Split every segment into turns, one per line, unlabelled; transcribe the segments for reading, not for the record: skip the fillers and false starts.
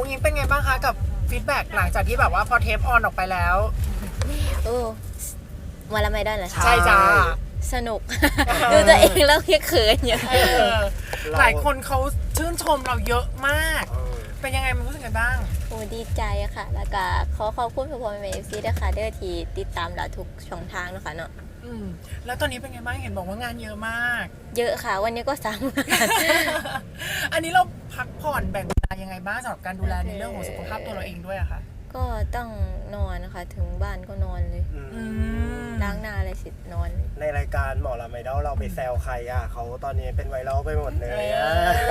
อุ้งอิงเป็นไงบ้างคะกับฟีดแบ็กหลังจากที่แบบว่าพอเทปออนออกไปแล้ว
โอ้มาละไม่ได้เหรอ
ใช่จ้า
สนุก ดูตัวเองแล้วเขินอย่าง
หลายคนเขาชื่นชมเราเยอะมากเป็นยังไงมันรู้สึกไงบ้าง
โอ้ดีใจค่ะแล้วก็ขอบคุณพ่อแม่ FC ด้วยค่ะเด้อที่ติดตามเราทุกช่องทางนะคะเนาะ
แล้วตอนนี้เป็นไงบ้างเห็นบอกว่างานเยอะมาก
เยอะค่ะวันนี้ก็3 งาน
อันนี้เราพักผ่อนแบ่งเวลายังไงบ้างสำหรับการดูแลในเรื่องของสุขภาพตัวเราเองด้วยอะค่ะ
ก็ต้องนอนนะคะถึงบ้านก็นอนเลยล้างหน้าอะไรเสร็จนอน
ในรายการหมอลำไอดอลเราไปแซวใครอ่ะเขาตอนนี้เป็นไวรัลไปหมดเลยอ่ะ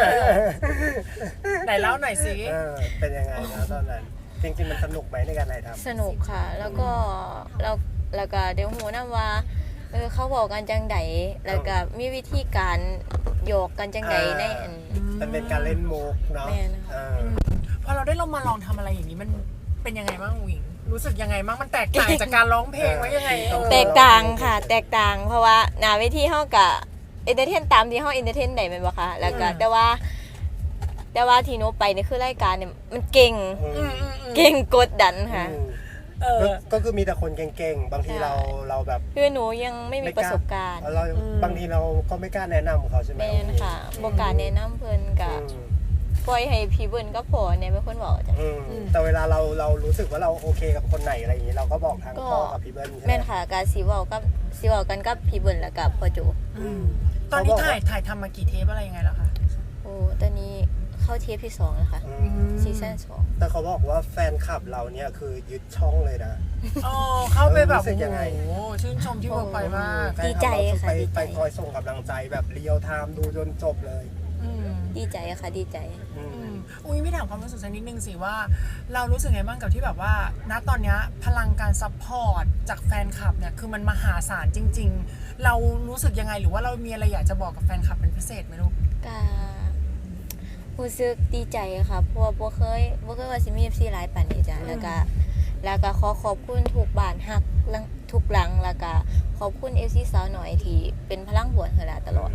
ไหนเล่าหน่อยสิ
เป็นยังไงนะตอนนั้นจริงๆมันสนุกไหมในการถ่ายทำ
สนุกค่ะแล้วก็เดี๋ยวหูนะว่าเขาบอกกันจังไดแล้วก็มีวิธีการโยกกันจังไดใน
มันเป็นการเล่นมุกเนาะ
พอเราได้มาลองทำอะไรอย่างนี้มันเป็นยังไงบ้างวิงรู้สึกยังไงบ้างมันแตกต่างจากการร้องเพลงไว้ยังไง
แตกต่างค่ะแตกต่างเพราะว่าหน้าเวทีเฮากับเอนเตอร์เทนตามที่เฮาเอนเตอร์เทนได้แม่นบ่คะแล้วก็แต่ว่าที่หนูไปนี่คือรายการเนี่ยมันเก่งกดดันค่ะ
ก็คือมีแต่คนเก่งๆบางทีเราแบบ
คือหนูยังไม่มีประสบการณ์
บางทีเราก็ไม่กล้าแนะนำเขาใช่ไหม
แม่นค่ะบ่กล้าแนะนำเพิ่นก็ปล่อยให้พี่เบิ้ลก็พอเนี่ยเป็นคนบอกจ้ะ
แต่เวลาเรารู้สึกว่าเราโอเคกับคนไหนอะไรอย่างนี้เราก็บอกทางพ่อกับพี่เบิ้ล
แม่นค่ะการสิเว้ากันกับพี่เบิ้ลแล้วกับพ่อโจ
ตอนนี้ถ่ายทำมากี่เทปอะไรยังไงแล้วคะ
โอ้ตอนนี้เข้าเทปที่2แล้วค่ะซีซั่น2
แต่เขาบอกว่าแฟนคลับเราเนี่ยคือยึดช่องเลยนะ
เข้าไปแบบโอ้โหชื่นชมที่เวิร์กพอยต์มาก
ดีใจค่ะ
ไปคอยส่งกำลังใจแบบเรียลไทม์ดูจนจบเลย
ดีใจค่ะดีใจ
อุ้ยไม่ถามความรู้สึกสักนิดนึงสิว่าเรารู้สึกไงบ้างกับที่แบบว่าณตอนนี้พลังการซัพพอร์ตจากแฟนคลับเนี่ยคือมันมหาศาลจริงๆเรารู้สึกยังไงหรือว่าเรามีอะไรอยากจะบอกกับแฟนคลับเป็นพิเศษไหมลูก
ก็รู้สึกดีใจค่ะเพราะว่าบ่เคยว่าสิมี FC หลายปานนี้จ้ะแล้วก็ขอบคุณทุกบ้านฮักทุกหลังแล้วก็ขอบคุณ FC สาวหน่อยที่เป็นพลังบวกให้เราตลอด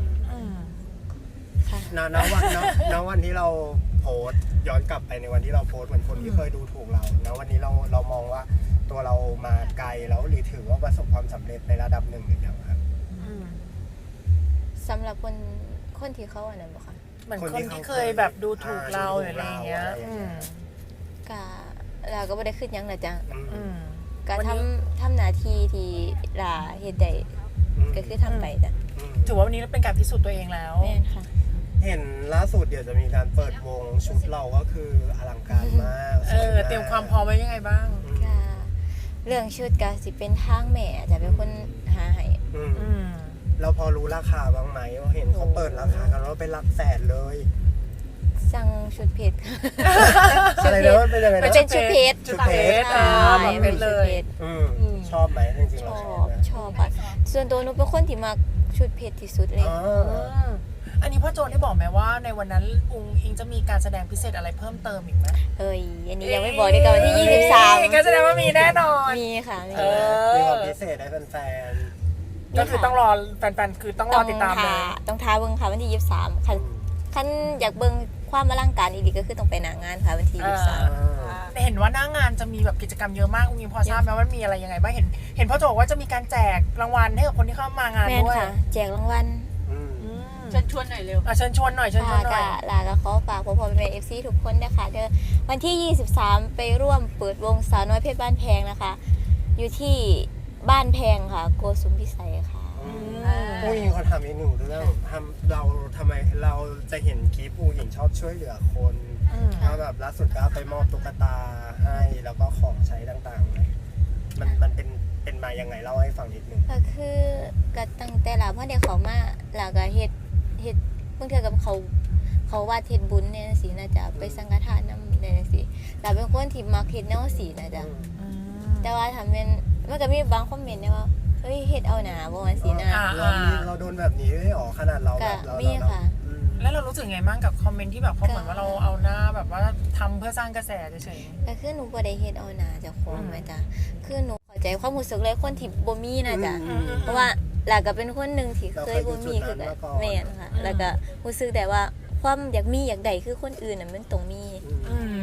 ณวันที่เราโพสย้อนกลับไปในวันที่เราโพสเหมือนคนที่เคยดูถูกเราณวันนี้เรามองว่าตัวเรามาไกลแล้วหรือถือว่าประสบความสำเร็จในระดับหนึ่งหรือยังครับ
สำหรับคนที่เขาอันนั้นบ่คะ
เหมือนคนที่เคยแบบดูถูกเราหรืออะไรเงี้ย
ก็เราก็ไม่ได้ขึ้นยังนะจ๊ะก็ทำหน้าที่ที่เราเฮ็ดได้ก็คือทำไปจ้ะ
ถือว่าวันนี้เป็นการพิสูจน์ตัวเองแล้ว
แม่นค่ะ
เห็นล่าสุดเดี๋ยวจะมีการเปิดวงชุดเราก็คืออลังการมาก
เตรียมความพร้อมไว้ยังไงบ้าง
เรื่องชุดก็สิเป็นทางแม่จะเป็นคนหาให้
เราพอรู้ราคาบ้างไหมว่าเห็นเขาเปิดราคากันว่าเป็นหลักแสนเลย
สั่งชุดเพชร
อะไรนะมันเป็นยังไงนะ
เป็นชุดเพชร
เป็นเลย
ชอบไหมจริงๆเรา
ชอบค่ะส่วนตัวหนูเป็นคนที่มักชุดเพชรที่สุดเลย
อันนี้พ่อโจได้บอกไหมว่าในวันนั้นอุ้งอิงจะมีการแสดงพิเศษอะไรเพิ่มเติมอีกไหม
อันนี้ยังไม่บอกดีกว่าวันที่23
ก็แสดงว่ามีแน่นอน
มีค่ะ
มีความพิเศษให้แฟน
ก็คือต้องรอแฟนๆคือต้องรอติดตามเลย
ต้องท้าเบิ่งค่ะวันที่23คันอยากเบิ่งความอลังการอีกก็คือต้องไปหน้างานค่ะวันที่23
เห็นว่าหน้างานจะมีแบบกิจกรรมเยอะมากอุ้งอิงพอทราบไหมว่ามีอะไรยังไงบ้างเห็นพ่อโจว่าจะมีการแจกรางวัลให้กับคนที่เข้ามางานด้วย
แจกรางวัล
เชิญชวนหน่อยเร็วเชิญชวนหน่อย
แล้วขอฝากพ่อแม่ FC ทุกคนนะคะเด้อวันที่23ไปร่วมเปิดวงสาวน้อยเพชรบ้านแพงนะคะอยู่ที่บ้านแพงค่ะโกสุมพิสัยค่ะ
ผู้หญิงเขาทำอีกหนึ่งเรื่องเราทำไมเราจะเห็นคลิปผู้หญิงชอบช่วยเหลือคนแล้วแบบล่าสุดก็ไปมอบตุ๊กตาให้แล้วก็ของใช้ต่างๆมันเป็นมายังไงเล่าให้ฟังนิดนึง
ก็คือก็ตั้งแต่เราเมื่อเด็กเขามาแล้วก็เฮ็ดเพิ่งเจอกับเขาว่าเฮ็ดบุญเนี่ยสิน่าจะไปสังฆทานนำเนี่ยสิแต่เป็นคนที่มักเฮ็ดแนวสีนะจ๊ะแต่ว่าทำเป็นมันก็มีบางคอมเมนต์นะว่าเฮ้ยเฮ็ดเอาหนาบ่ว่าสินะ
เราโดนแบบนี้ได้หรอขนาดเราแบบเรา
มีค่ะ
แล้วเรารู้สึกไงบ้างกับคอมเมนต์ที่แบบเขาเหมือนว่าเราเอาหน้าแบบว่าทำเพื่อสร้างกระแสเฉย
ๆก็คือหนูบ่ได้เฮ็ดเอาหนาเจ้าของแม่จ้ะคือหนูเข้าใจความรู้สึกเลยคนที่บ่มีนะจ๊ะเพราะว่าหลักก็เป็นคนนึงที่เคยบ่มีคือแม่นค่ะแล้วก็รู้สึกแต่ว่าความอยากมีอยากได้คือคนอื่นน่ะมันต้องมี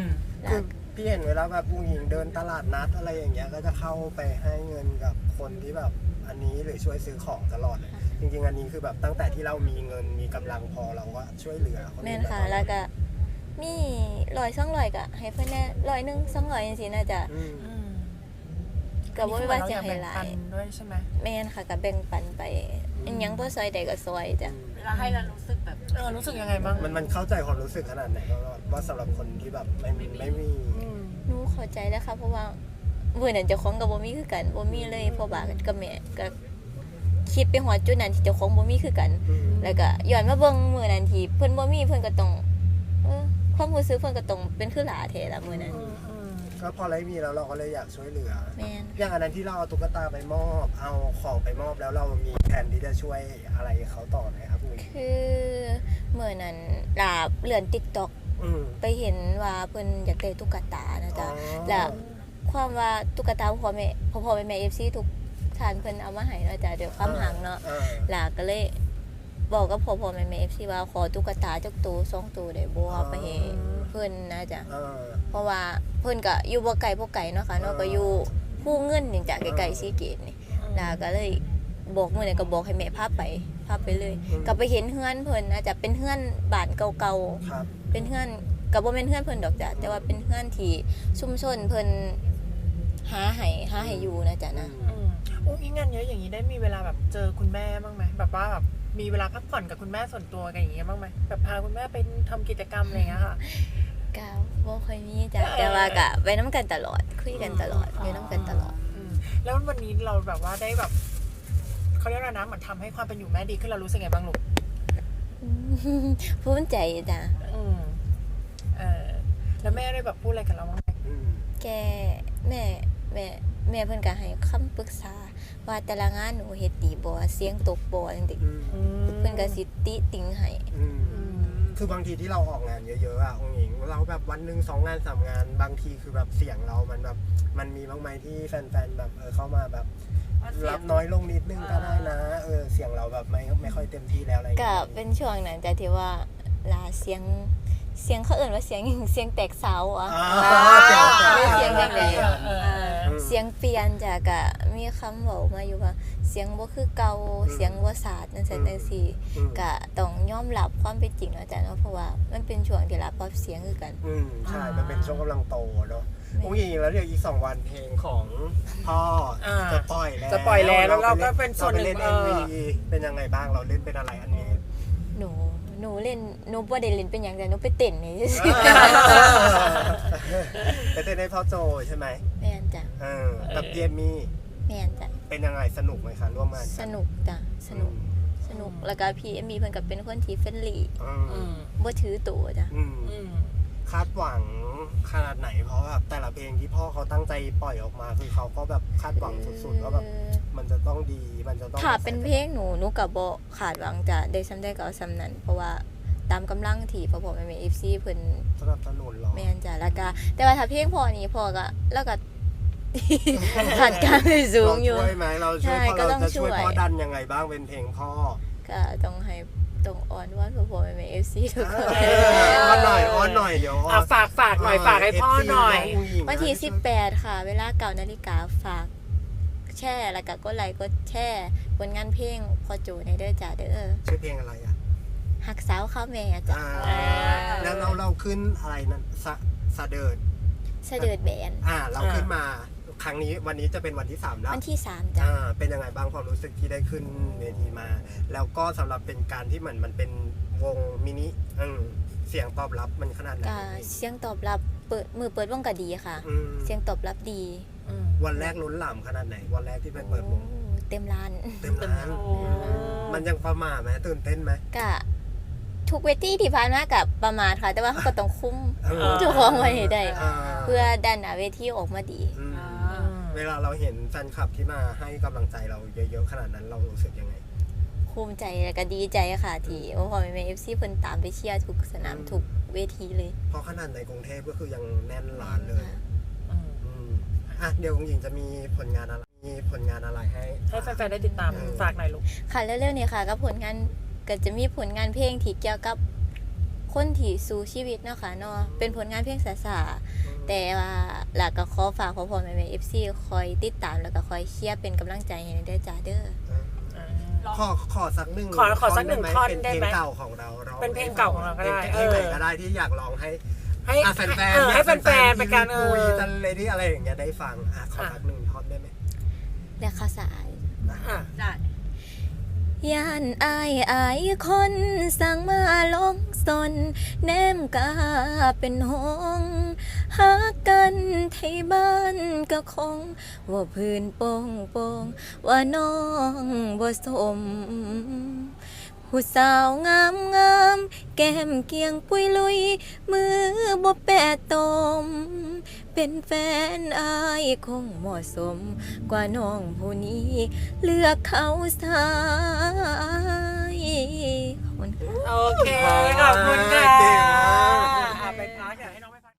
คือพี่เห็นเวลาแบบผู้หญิงเดินตลาดนัดอะไรอย่างเงี้ยก็จะเข้าไปให้เงินกับคนที่แบบอันนี้หรือช่วยซื้อของตลอดเลยจริงๆอันนี้คือแบบตั้งแต่ที่เรามีเงินมีกำลังพอเราก็ช่วยเหลือคน
แม่
อื่
น
น
ค่ะ
มาตล
แล้
อ
ว
ด
ก็มี100-200ก็ให้เพิ่นแน่100-100-200จังซี่น่าจะ
อืม
อืม
ก็บ่ว่าจะให้หลา
อัน
ย
นี้คือเหมือนเราอยากแบ่งปันด้วยใช่ไหม
แม่นค่ะก็แบ่งปันไปอันหยังบ่ซอยใดก็ซอยจ้ะ
แล้วให้เรารู้สึกแบบ
รู้สึกยังไงบ้าง
มันเข้าใจความรู้สึกขนาดไหนก็ว่าสำหรับคนที่แบบไม่มี
อืม
หนูเข้าใจแล้วค่ะเพราะว่ามื้อนั้นเจ้าของก็บ่มีคือกันบ่มีเลยเพราะว่ากับแม่ก็คิดไปฮอดจุดนั้นที่เจ้าของบ่มีคือกัน
อืม
แล้วก็ย้อนมาเบิ่งมื้อนั้นที่เพิ่นบ่มีเพิ่นก็ต้องความรู้สึกเพิ่นก็ต้องเป็นคือหลาแท้ละมื้อนั้น
อืมอืม
ก็พอได้มีแล้วเราก็เลยอยากช่วยเหลือ
แม่น
อย่างอันนั้นที่เราเอาตุ๊กตาไปมอบเอาของไปมอบแล้วเรามีแผนที่จะช่วยอะไรเขาต่อไหมครับคุณ
คือมื้อนั้นลาเลื่อน TikTok
อืม
ไปเห็นว่าเพิ่นอยากได้ตุ๊กตานะจ๊ะ
อ๋อ
แล้วความว่าตุ๊กตาพ่อแม่ FC ทุกท่านเพิ่นเอามาให้เนาะจ้ะเดี๋ยวความหังเนาะ หลาก็เลยบอกกับพ่อแม่ FC ว่าขอตุ๊กตาจักตัว2ตัวได้บ่ไปให้เพิ่นนะจ๊ะ เพราะว่าเพิ่นก็อยู่บ่ไกลเนาะค่ะเนาะก็อยู่ผู้เงินนี่จ้ะใกล้ๆซีเกตนี่ลาก็เลยบอกมื้อนั้นก็บอกให้แม่พาไปเลย ก็ไปเห็นเฮือนเพิ่นนะจ๊ะเป็นเฮือนบ้านเก่า
ครับ
ๆเป็นเฮือนก็บ่แม่นเฮือนเพิ่นดอกจ้ะแต่ว่าเป็นเฮือนที่ชุมชนเพิ่นหาให้อยู่นะจ๊ะนะ
อืมอุ้งอิงงานเยอะอย่างนี้ได้มีเวลาแบบเจอคุณแม่บ้างไหมแบบว่าแบบมีเวลาพักผ่อนกับคุณแม่ส่วนตัวกันอย่างเงี้ยบ้างไหมแบบพาคุณแม่ไปทำกิจกรรมอะไรอย่างเงี้ยค่ะ
ก็บ่ค่อยมีจ้ะแต่ว่าก็ไปนํกันตลอดคุยกันตลอดอยู่นํกันตลอด
อืมแล้ววันนี้เราแบบว่าได้แบบเขาเรียกว่านะเหมือนทำให้ความเป็นอยู่แม่ดีขึ้นเรารู้สึกไงบ้างลูก
ภูมิใจจ้ะ
อืมแล้วแม่ได้แบบพูดอะไรกับเราบ้างไหม
อืม
แกแม่เพิ่นก็ให้คำปรึกษาว่าแต่ละงานหนูเฮ็ดดีบ่เสียงตกบ่จังซี่
อืม
เพิ่นก็สิติติงให้
อืม
อืม
คือบางทีที่เราออกงานเยอะๆอ่ะองค์หญิงเราแบบวันหนึ่ง2 งาน 3 งาน บางทีคือแบบเสียงเรามันแบบมันมีบ้างไหมที่แฟนๆแบบเข้ามาแบบรับน้อยลงนิดนึงก็ได้นะเสียงเราแบบไม่ค่อยเต็มที่แล้วอะไรอย่าง
ก็
เงี้ย
เป็นช่วงนั้นจ้ะที่ว่าลาเสียงเขาเอิ้นว่าเสียงหยังเสียงแตกเสาอ่ะ เสียงจังใด เสียงเปลี่ยนจ้ะก็มีคำเว้ามาอยู่ว่าเสียงบ่คือเก่าเสียงบ่สาดจังซั่นจังซี่ ก็ต้องยอมรับความเป็นจริงแล้วจ้ะเนาะเพราะว่ามันเป็นช่วงที่เราปรับเสียงคือกัน
ใช่มันเป็นช่วงกำลังโตเนาะองค์หญิงแล้วเดี๋ยวอีก2 วันเพลงของพ่อจะปล่อยแล้ว
จะปล่อยแล้วเราก็เป็นส่วนหนึ่ง
เราไปเล่น MV เป็นยังไงบ้างเราเล่นเป็นอะไรอันนี้
หนูเล่นหนูบ่ได้เล่นเป็นหยังแต่หนูไปเต้นนี่ซื่อ
ไปเต้นให้พ่อโจใช่ไหม
ๆแม่นจ้ะ
กับเยมี่
แม่นจ้ะ
เป็นยังไงสนุกไหมคะร่วมงาน
สนุกจ้ะสนุกแล้วก็พี่เอมมี่เพิ่นก็เป็นคนที่เฟรนลี่
อืม
บ่ถือตัวจ้ะ
อืม
คาดหวังขนาดไหนเพราะแบบแต่ละเพลงที่พ่อเขาตั้งใจปล่อยออกมาคือเขาก็แบบคาดหวังสุดๆว่าแบบมันจะต้องดีมันจะต้อง
ถ้าเป็นเพลงหนูก็บ่คาดหวังจ้ะได้ซำใดก็เอาซำนั้นเพราะว่าตามกำลังที่พ่อแม่ FC เพิ่น
สนับสนุนหรอ
แม่นจ้ะแล้วก็แต่ว่าถ้าเพลงพ่อนี่พ่อก็แล้วก็ ขาดการไปสูงอยู่
เราช่วยไหมเราช่วย
ใช่
พ่อ
ก็ต้
เรา
อง
จะช่วย
ช่วย
พ่อดันยังไงบ้างเป็นเพลงพ่อ
ก็ต้องให้ต้องอ้อนวอนพ่อแม่ FC ทุกคน
อ้อนหน่อยเดี๋ยว
ฝากหน่อยฝากให้พ่อหน่อย
วันที่18ค่ะเวลา9 นาฬิกาฝากแชร์แล้วก็กดไลค์กดแชร์ผลงานเพลงพอโจในเด้อจ้าเด้อ
ชื่อเพลงอะไรอ่ะ
หักสาวข้าวแม่จ้ะ
แล้วเราขึ้นอะไรนั่นสะเดิด
เสด็จแบน
เราขึ้นมาครั้งนี้วันนี้จะเป็นวันที่3แล้ว
วันที่3จ้ะ
เป็นยังไงบ้างความรู้สึกที่ได้ขึ้นเวทีมา แล้วก็สำหรับเป็นการที่เหมือนมันเป็นวงมินิเสียงตอบรับมันขนาดไหน
ก็เสียงตอบรับเปิดวงก็ดีค่ะ เสียงตอบรับดี
วันแรกล้นหลามขนาดไหนวันแรกที่ไปเปิดวง
เต็มร้าน
เต็มร้านมันยังประหม่าไหมตื่นเต้นไหม
ก็ทุกเวทีที่ผ่านมากับประมาทค่ะ แต่ว่าเขาก็ต้องคุ้ม
เออ
เจ้าของไว้ให้ได้
อ่า
เพื่อดันหน้าเวทีออกมาดี
เวลาเราเห็นแฟนคลับที่มาให้กำลังใจเราเยอะๆขนาดนั้นเรารู้สึกยังไง
ภูมิใจและก็ดีใจค่ะที่พ่อแม่ FC เพิ่นตามไปเชียร์ทุกสนามทุกเวทีเลย
เพราะขนาดในกรุงเทพก็คือยังแน่นร้านเลยเดี๋ยวคุณหญิงจะมีผลงานอะไรให้
ให้แฟนๆได้ติดตามฝากหน่อยลูก
ค่ะเร็วๆนี้ค่ะก็ผลงานก็จะมีผลงานเพลงที่เกี่ยวกับคนที่สู้ชีวิตเนาะค่ะเนาะเป็นผลงานเพลงสาๆแต่ว่าหลักก็ขอฝากพ่อๆแม่ๆ FC คอยติดตามแล้วก็คอยเชียร์เป็นกำลังใจให้ได้จ้าเด้อ
ขอสักหนึ่ง
ขอสักหนึ่งท่อนได้ไหม
เป็นเพลงเก่าของเราร้อง
เป็นเพลงเก่าของเราก็ได้
เพลงไหนก็ได้ที่อยากร้องให้
ให้
แฟนๆ
ให้แฟนๆเป็นการ
คุยกันเลยที่อะไรอย่างเงี้ยได้ฟังขอสักหนึ่งท่อนได้ไหม
และข้าวสาร
อ่ะ
ได้
ย่านอายคนสั่งมาลงสนแนมกาเป็นหงหากันไทยบ้านก็คงว่าพื้นโป่งว่าน้องบ่สม ผู้สาวงามแก้มเกียงปุยลุยมือบ่แปะตม เป็นแฟนอายคงเหมาะสม กว่าน้องผู้นี้เลือกเขาสายขอบคุณค่ะ
โอเค ขอบคุณค่ะ